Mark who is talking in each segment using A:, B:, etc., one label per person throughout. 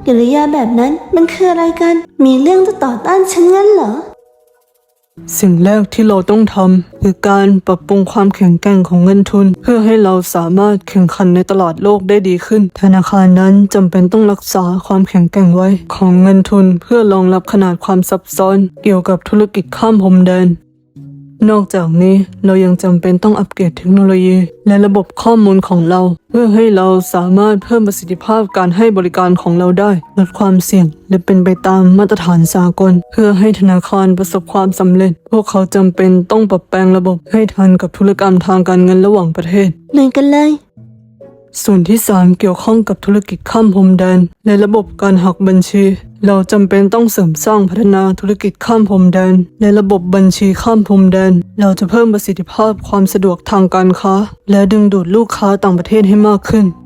A: กิริยาแบบนั้นมันคืออะไรกันมีเรื่องจะต่อต้านฉันงั้นเหรอ
B: สิ่งแรกที่เราต้องทำคือการปรับปรุงความแข็งแกร่งของเงินทุนเพื่อให้เราสามารถแข่งขันในตลาดโลกได้ดีขึ้นธนาคารนั้นจำเป็นต้องรักษาความแข็งแกร่งไว้ของเงินทุนเพื่อรองรับขนาดความซับซ้อนเกี่ยวกับธุรกิจข้ามพรมแดนนอกจากนี้เรายังจำเป็นต้องอัปเกรดเทคโนโลยีและระบบข้อมูลของเราเพื่อให้เราสามารถเพิ่มประสิทธิภาพการให้บริการของเราได้ลดความเสี่ยงและเป็นไปตามมาตรฐานสากลเพื่อให้ธนาคารประสบความสำเร็จพวกเขาจำเป็นต้องปรับแปลงระบบให้ทันกับธุรกรรมทางการเงินระหว่างประเทศ
A: เหมือนกันเลย
B: ส่วนที่3เกี่ยวข้องกับธุรกิจข้ามพรมแดนและระบบการหักบัญชีเราจำเป็นต้องเสริมสร้างพัฒนาธุรกิจข้ามพรมแดนและระบบบัญชีข้ามพรมแดนเราจะเพิ่มประสิทธิภาพความสะดวกทางการค้าและดึงดูดลูกค้าต่างประเทศให้มากขึ้น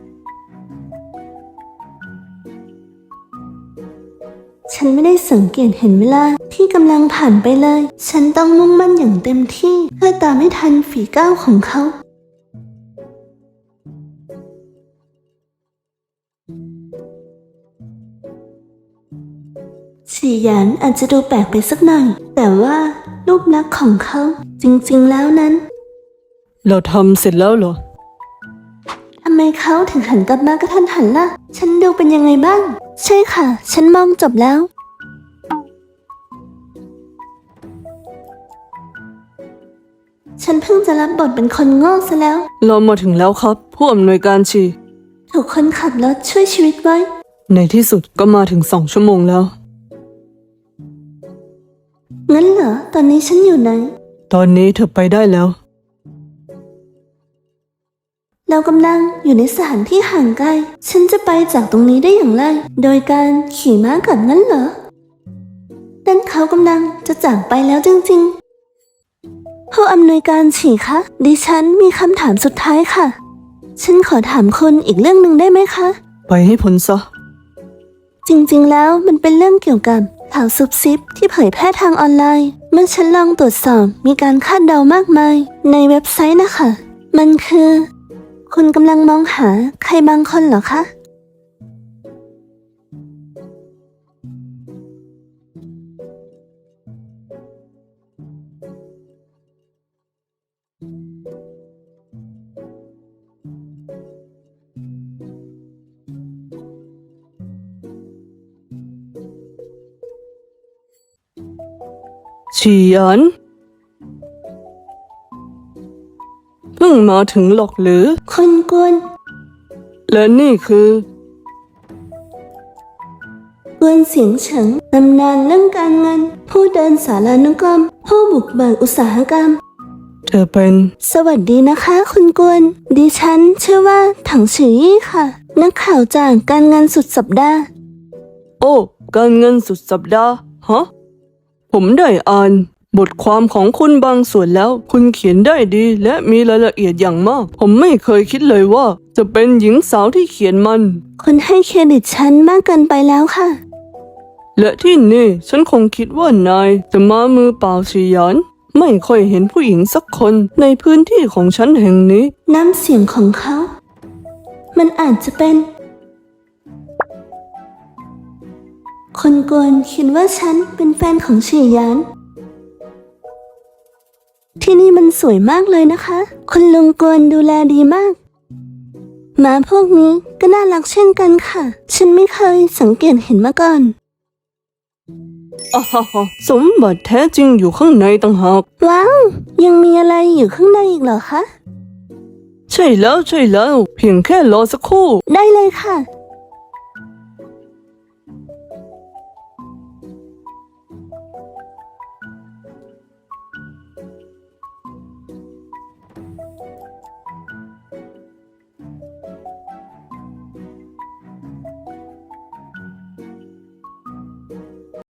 A: ฉันไม่ได้สังเกตเห็นเวลาที่กำลังผ่านไปเลยฉันต้องมุ่งมั่นอย่างเต็มที่เพื่อตามให้ทันฝีก้าวของเขาฉีหยานอาจจะดูแปลกไปสักหน่อยแต่ว่ารูปลักษณ์ของเขาจริงๆแล้วนั้น
B: เราทำเสร็จแล้วเหรอ
A: ทำไมเขาถึงหันกลับมากระทันหันล่ะฉันดูเป็นยังไงบ้างใช่ค่ะฉันมองจบแล้วฉันเพิ่งจะรับบทเป็นคนโง่ซะแล้ว
B: เรามาถึงแล้วครับผู้อำนวยการฉี
A: ถูกคนขับรถช่วยชีวิตไว้
B: ในที่สุดก็มาถึง2 ชั่วโมงแล้ว
A: งั้นเหรอตอนนี้ฉันอยู่ไหน
B: ตอนนี้เธอไปได้แล้ว
A: เรากำลังอยู่ในสถานที่ห่างไกลฉันจะไปจากตรงนี้ได้อย่างไรโดยการขี่ม้ากลับงั้นเหรอนั่นเขากำลังจะจากไปแล้วจริงๆผู้อำนวยการฉีคะดิฉันมีคำถามสุดท้ายค่ะฉันขอถามคุณอีกเรื่องหนึ่งได้ไหมคะ
B: ไปให้พ้นซะ
A: จริงๆแล้วมันเป็นเรื่องเกี่ยวกับข่าวซุบซิบที่เผยแพร่ทางออนไลน์เมื่อฉันลองตรวจสอบมีการคาดเดามากมายในเว็บไซต์นะคะมันคือคุณกำลังมองหาใครบางคนเหรอคะ
B: ฉีหยานเพิ่งมาถึงหรอกหรือ
A: คุณกวน
B: และนี่คือ
A: กวนเสียงเฉิงตำนานเรื่องการเงินผู้เดินสารานุกรมผู้บุกเบิกอุตสาหกรรม
B: เธอเป็น
A: สวัสดีนะคะคุณกวนดิฉันชื่อว่าถังฉือยี่ค่ะนักข่าวจากการเงินสุดสัปดาห์
B: โอ้การเงินสุดสัปดาห์ฮะผมได้อ่านบทความของคุณบางส่วนแล้วคุณเขียนได้ดีและมีรายละเอียดอย่างมากผมไม่เคยคิดเลยว่าจะเป็นหญิงสาวที่เขียนมัน
A: คุณให้เครดิตฉันมากเกินไปแล้วค่ะ
B: และที่นี่ฉันคงคิดว่านายจะมามือเปล่าฉีหยานไม่ค่อยเห็นผู้หญิงสักคนในพื้นที่ของฉันแห่งนี้
A: น้ำเสียงของเขามันอาจจะเป็นคนกวนคิดว่าฉันเป็นแฟนของฉีหยานที่นี่มันสวยมากเลยนะคะคุณลุงกวนดูแลดีมากหมาพวกนี้ก็น่ารักเช่นกันค่ะฉันไม่เคยสังเกตเห็นมาก่อน
B: สมบัติแท้จริงอยู่ข้างในต่างหาก
A: ว้าวยังมีอะไรอยู่ข้างในอีกเหรอคะ
B: ใช่แล้วเพียงแค่รอสักครู่
A: ได้เลยค่ะ